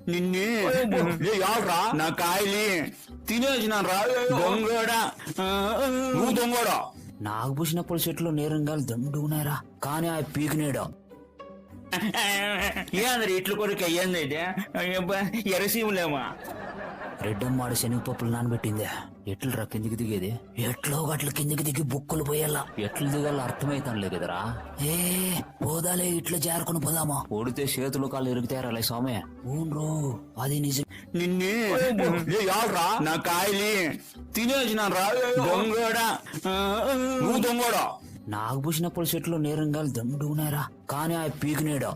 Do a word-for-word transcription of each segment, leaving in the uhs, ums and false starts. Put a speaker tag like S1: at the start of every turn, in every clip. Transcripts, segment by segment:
S1: నిన్నే యాడ్రా నా కాయలి తినేసిన రా దొంగడా నువ్వు దొంగడా.
S2: నాకు పూసినప్పుడు చెట్లు నేరంగాలు దండుకున్నారా, కానీ ఆ పీకినేడు
S1: ఏంద్ర ఇట్లు కొరకు అయ్యింది అయితే ఎరసీములేమా.
S2: రెడ్డమ్మాడు శనగపప్పులు నానబెట్టిందే. ఎట్లు రా కిందికి దిగేది? ఎట్లో గట్ల కిందికి దిగి బుక్కులు పోయేలా. ఎట్లు దిగాల అర్థమైతానులే కదరా. ఏ పోదాలే ఇట్లా జారుకుని పోదామా. ఓడితే చేతులు కాళ్ళు ఎరుగుతారా స్వామి. ఊన్రో అది నిజం.
S1: నిన్నే యాడ్రా నా కాయలి తినేసిన రా దొంగడా నువ్వు దొంగడా.
S2: నాకు పూసినప్పుడు చెట్లు నేరంగాలు దండుకున్నారా, కానీ ఆ పీకినేడు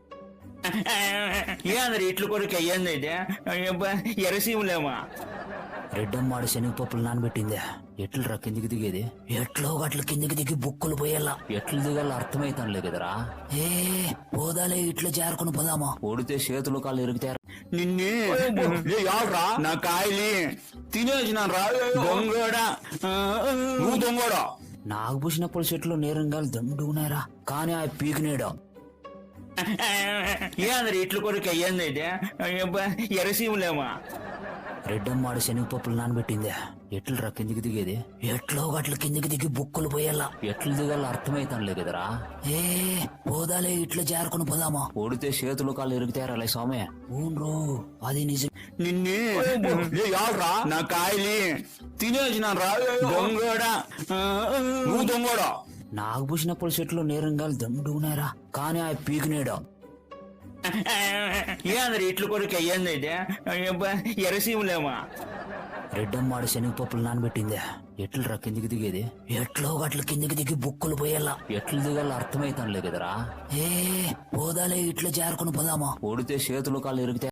S1: ఏంద్ర ఇట్లు కొరకు అయ్యింది అయితే ఎరసీములేమా.
S2: రెడ్డమ్మాడు శనగపప్పులు నానబెట్టిందే. ఎట్లు రా కిందికి దిగేది? ఎట్లో గట్ల కిందికి దిగి బుక్కులు పోయేలా. ఎట్లు దిగాల అర్థమైతానులే కదరా. ఏ పోదాలే ఇట్లా జారుకుని పోదామా. ఓడితే చేతులు కాళ్ళు ఎరుగుతారు.
S1: నిన్నే యాడ్రా నా కాయలి తినేసిన రా దొంగడా నువ్వు దొంగడా.
S2: నాకు పూసినప్పుడు చెట్లు నేరంగాలు దండుకున్నారా, కానీ ఆ పీకినేడు
S1: ఏంద్ర ఇట్లు కొరకు అయ్యింది అయితే ఎరసీములేమా.
S2: రెడ్డమ్మాడు శనగపప్పులు నానబెట్టిందే. ఎట్లు రా కిందికి దిగేది? ఎట్లో గట్ల కిందికి దిగి బుక్కులు పోయేలా. ఎట్లు దిగాల అర్థమైతానులే కదరా. ఏ పోదాలే ఇట్లా జారుకుని పోదామా. ఓడితే చేతులు కాళ్ళు ఎరుగుతారా స్వామి. ఊన్రో అది నిజం.
S1: నిన్నే యాడ్రా నా కాయలి తినేసిన రా దొంగడా నువ్వు దొంగడా.
S2: నాకు పూసినప్పుడు చెట్లు నేరంగాలు దండుకున్నారా, కానీ ఆ పీకినేడు
S1: ఏంద్ర ఇట్లు కొరకు అయ్యింది అయితే ఎరసీములేమా.
S2: రెడ్డమ్మాడు శనగపప్పులు నానబెట్టిందే. ఎట్లు రా కిందికి దిగేది? ఎట్లో గట్ల కిందికి దిగి బుక్కులు పోయేలా. ఎట్లు దిగాల అర్థమైతానులే కదరా. ఏ పోదాలే ఇట్లా జారుకుని పోదామా. ఓడితే చేతులు కాళ్ళు ఎరుగుతాయి.